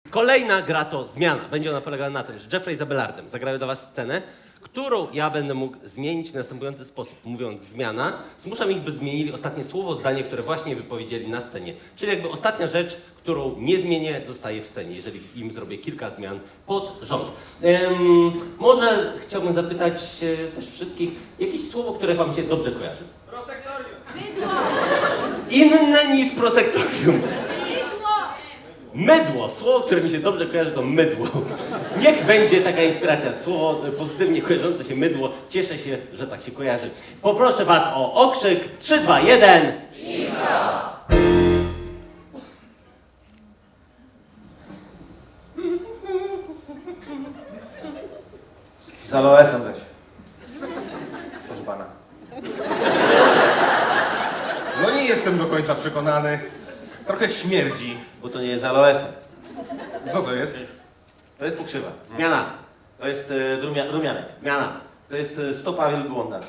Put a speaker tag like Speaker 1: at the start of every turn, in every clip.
Speaker 1: Kolejna gra to zmiana. Będzie ona polegała na tym, że Jeffrey z Abelardem zagrają do was scenę, którą ja będę mógł zmienić w następujący sposób. Mówiąc zmiana, zmuszam ich, by zmienili ostatnie słowo, zdanie, które właśnie wypowiedzieli na scenie. Czyli jakby ostatnia rzecz, którą nie zmienię, zostaje w scenie, jeżeli im zrobię kilka zmian pod rząd. Może chciałbym zapytać też wszystkich, jakieś słowo, które wam się dobrze kojarzy?
Speaker 2: Prosektorium.
Speaker 3: Mydło!
Speaker 1: Inne niż prosektorium.
Speaker 3: Mydło!
Speaker 1: Mydło. Słowo, które mi się dobrze kojarzy, to mydło. Niech będzie taka inspiracja. Słowo pozytywnie kojarzące się mydło. Cieszę się, że tak się kojarzy. Poproszę was o okrzyk. 3, 2, 1.
Speaker 4: Z aloesem weź. Proszę pana.
Speaker 2: No nie jestem do końca przekonany. Trochę śmierdzi.
Speaker 4: Bo to nie jest z aloesem.
Speaker 2: Co to jest?
Speaker 4: To jest pokrzywa.
Speaker 1: Zmiana.
Speaker 4: To jest rumianek.
Speaker 1: Zmiana.
Speaker 4: To jest stopa wielbłąda.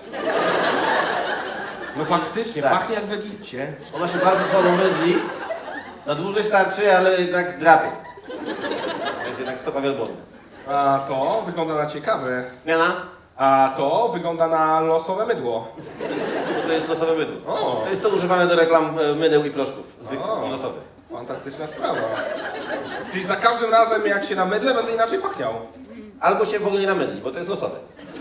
Speaker 2: No faktycznie,
Speaker 4: Tak.
Speaker 2: pachnie jak w Egipcie.
Speaker 4: Ona się bardzo słabo mydli. Na dłużej starczy, ale jednak drapie. To jest jednak stopa wielbłąda.
Speaker 2: A to wygląda na ciekawe.
Speaker 1: Zmiana.
Speaker 2: A to wygląda na losowe mydło.
Speaker 4: Bo to jest losowe mydło.
Speaker 2: O.
Speaker 4: To jest to używane do reklam mydeł i proszków. Zwykłych
Speaker 2: O.
Speaker 4: i losowych.
Speaker 2: Fantastyczna sprawa. Czyli za każdym razem jak się namydlę, będę inaczej pachniał.
Speaker 4: Albo się w ogóle nie namydli, bo to jest losowe.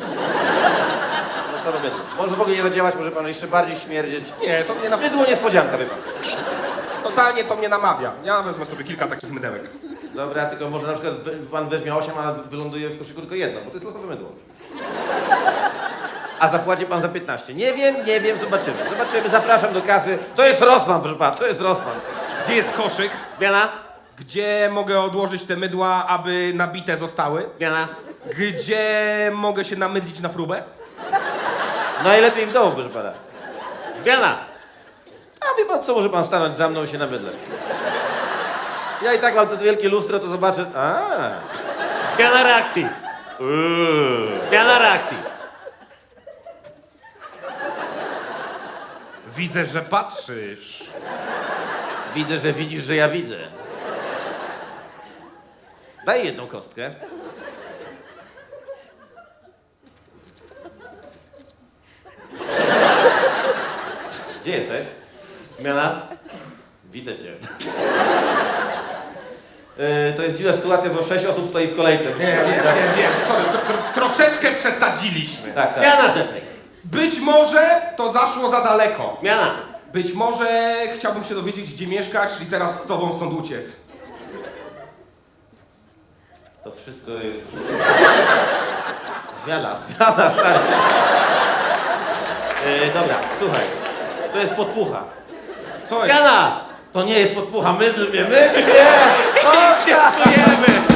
Speaker 4: Losowe mydło. Może w ogóle nie zadziałać, może pan jeszcze bardziej śmierdzieć.
Speaker 2: Nie, to mnie
Speaker 4: Mydło niespodzianka, wie pan.
Speaker 2: totalnie to mnie namawia. Ja wezmę sobie kilka takich mydełek.
Speaker 4: Dobra, tylko może na przykład pan weźmie 8, a wyląduje w koszyku tylko jedno, bo to jest losowe mydło. A zapłaci pan za 15. Nie wiem, zobaczymy. Zobaczymy, zapraszam do kasy. To jest Rossmann, proszę pana, to jest Rossmann.
Speaker 2: Gdzie jest koszyk?
Speaker 1: Zmiana.
Speaker 2: Gdzie mogę odłożyć te mydła, aby nabite zostały?
Speaker 1: Zmiana.
Speaker 2: Gdzie mogę się namydlić na próbę?
Speaker 4: Najlepiej w domu, proszę pana.
Speaker 1: Zmiana.
Speaker 4: A wie pan co, może pan stanąć za mną i się namydleć. Ja i tak mam to wielkie lustro, to zobaczę.
Speaker 1: Zmiana reakcji. Zmiana reakcji.
Speaker 2: Widzę, że patrzysz.
Speaker 4: Widzę, że widzisz, że ja widzę. Daj jedną kostkę. Gdzie jesteś?
Speaker 1: Zmiana.
Speaker 4: Widzę cię. To jest dziwna sytuacja, bo 6 osób stoi w kolejce.
Speaker 2: Wiem. Sorry, troszeczkę przesadziliśmy.
Speaker 4: Tak, tak.
Speaker 1: Zmiana, Jeffrey.
Speaker 2: Być może to zaszło za daleko.
Speaker 1: Zmiana.
Speaker 2: Być może chciałbym się dowiedzieć, gdzie mieszkasz i teraz z tobą stąd uciec.
Speaker 4: To wszystko jest... Zmiana, stary. Dobra, słuchaj. To jest podpucha.
Speaker 2: Co jest?
Speaker 1: Zmiana.
Speaker 4: To nie jest podpucha, mydl mnie!
Speaker 1: Dziękujemy.